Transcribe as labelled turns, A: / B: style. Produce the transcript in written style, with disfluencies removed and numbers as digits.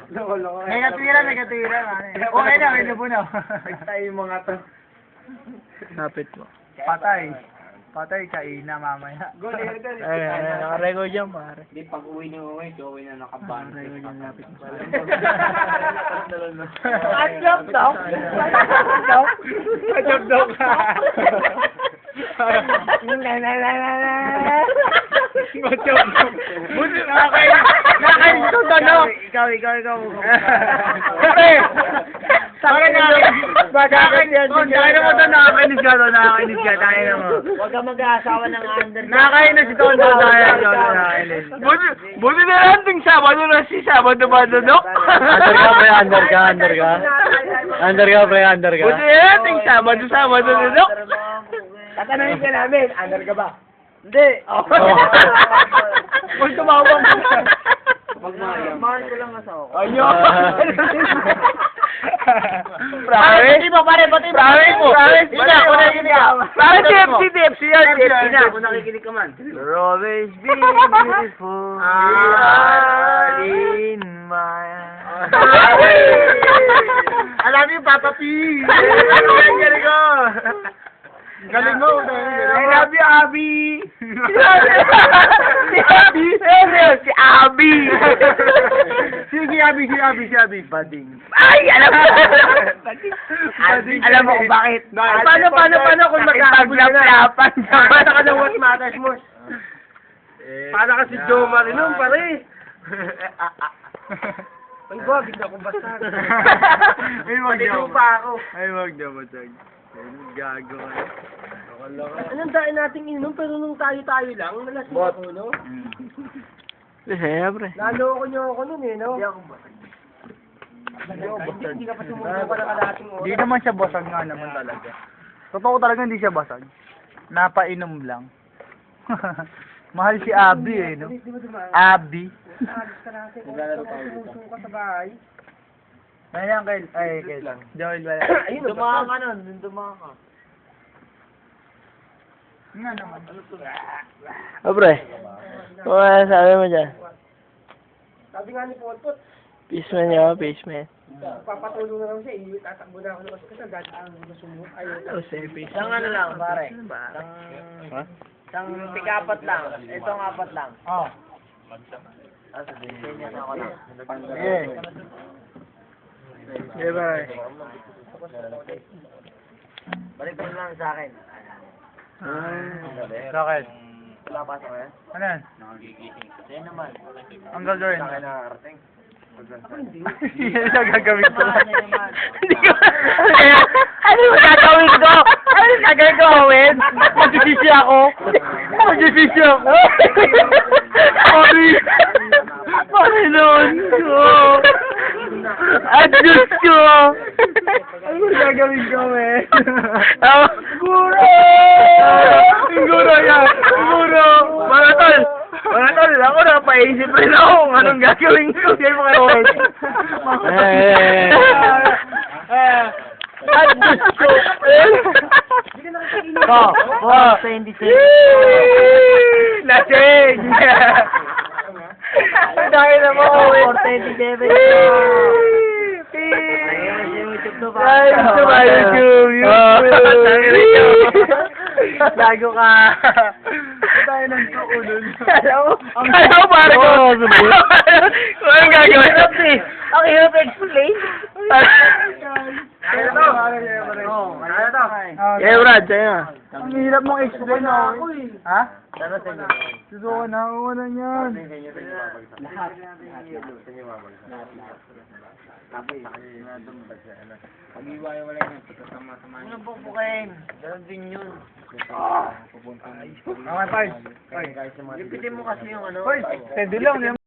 A: Loko-loko.
B: May katwira. Okay na, may labo na.
A: Nagtayo yung mga to.
C: Napit mo.
B: Patay ka ina mamaya.
C: Nakarecord yan, pare.
A: Hindi, pag uwi niyo uwi na nakaban.
C: Nakarecord yan, lapit mo.
B: Atjop daw. Atjop daw ka. Buti nakakain ito tanong.
C: Ikaw.
B: Pare. Nakakainis ka, tayo mo.
C: Huwag ka mag-aasawa ng under.
B: Nakakainis ito, nakakainis. Buti na lang ting Sabado na si Sabado ba dudok?
C: Under ka.
B: Buti na lang ting Sabado dudok?
A: Tatanungin ka namin, under ka ba?
B: Hindi. Kung tumawang ka.
A: Mahal ko lang asawa ko.
B: Ayun. Pare, TFC yan.
A: Kung nakikinig ka man.
C: You'll always be beautiful in my
B: Alam niyo, Papa P. Galing ko. Galing mo. I love you, Abby. Si Abby. Si Abby. Bading. Ay, alam mo. Alam mo kung bakit. Paano kung magkakagulat-lapan? Paano ka ng what matters mo? Paano ka si Joe Marinon, pare? Ay, wag na akong basag. Ay, wag na ako. Ay, wag na basag. Gago.
A: Anong dahil nating inom, pero nung tayo-tayo lang, nalasing ako, no?
C: Siyempre.
A: Naloko niyo ako nun, eh, no? Hindi ka pa sumusuko ng kalating oras.
B: Hindi naman siya basag nga naman talaga. Totoo talaga hindi siya basag. Napainom lang. Mahal si Abby eh, no?
A: Di ba dumaan?
B: Abby.
A: Alis ka natin. Sumusuko ka sa bahay.
B: Ayan, Joel, wala.
A: Ayun, dumaan ka nun. Dumaan ka.
B: Nga naman.
C: Pre. Sabi mo dyan.
A: Sabi nga ni Polpot,
C: Peaceman niya, peaceman.
A: papatulong na lang siya, tatakbo na ako ng kasi dahil ang sumunod. Ayun.
C: Isang ano lang, pare. Isang tikapat lang. Itong apat lang.
B: Oh.
C: Sabihin niya ako lang.
B: Yeah, bye.
C: Balik mo lang sa akin.
B: Bakit?
C: Wala pa sa kaya?
B: Ano yan?
C: Sa'yo naman.
B: Ang gagawin mo?
C: nakarating.
B: Yan ang gagawin ko.
C: Ano naman?
B: Ano yung gagawin ko? Ano yung gagawin? Magsisisi ako. Sorry. Panginoon ko. At Diyos ko. Ano yung gagawin ko, eh? Siguro yan. Mga tol, ako napaisip rin ako kung anong gagawin ko. Yan mga tol. At Diyos ko. Lasing! Dahil na mo, Lago ka. Tayo ng tuulol. Alam mo pare ko. Kung anong gagawin?
C: Ang hirap explain.
B: Kaya to.
C: Eh, Brad, sa'yo na.
B: Ang hirap mong explain na. Ha?
C: Sana sa'yo.
B: Susuko na ako na yan.
C: Lahat.
A: Pag-iwalay niya, pagkasama-sama niya.
C: Ano po po kayo? Ganun din yun.
B: Okay, bye.
A: Guys,
C: Lipitin mo kasi yung ano.
B: Hoy, pwede lang.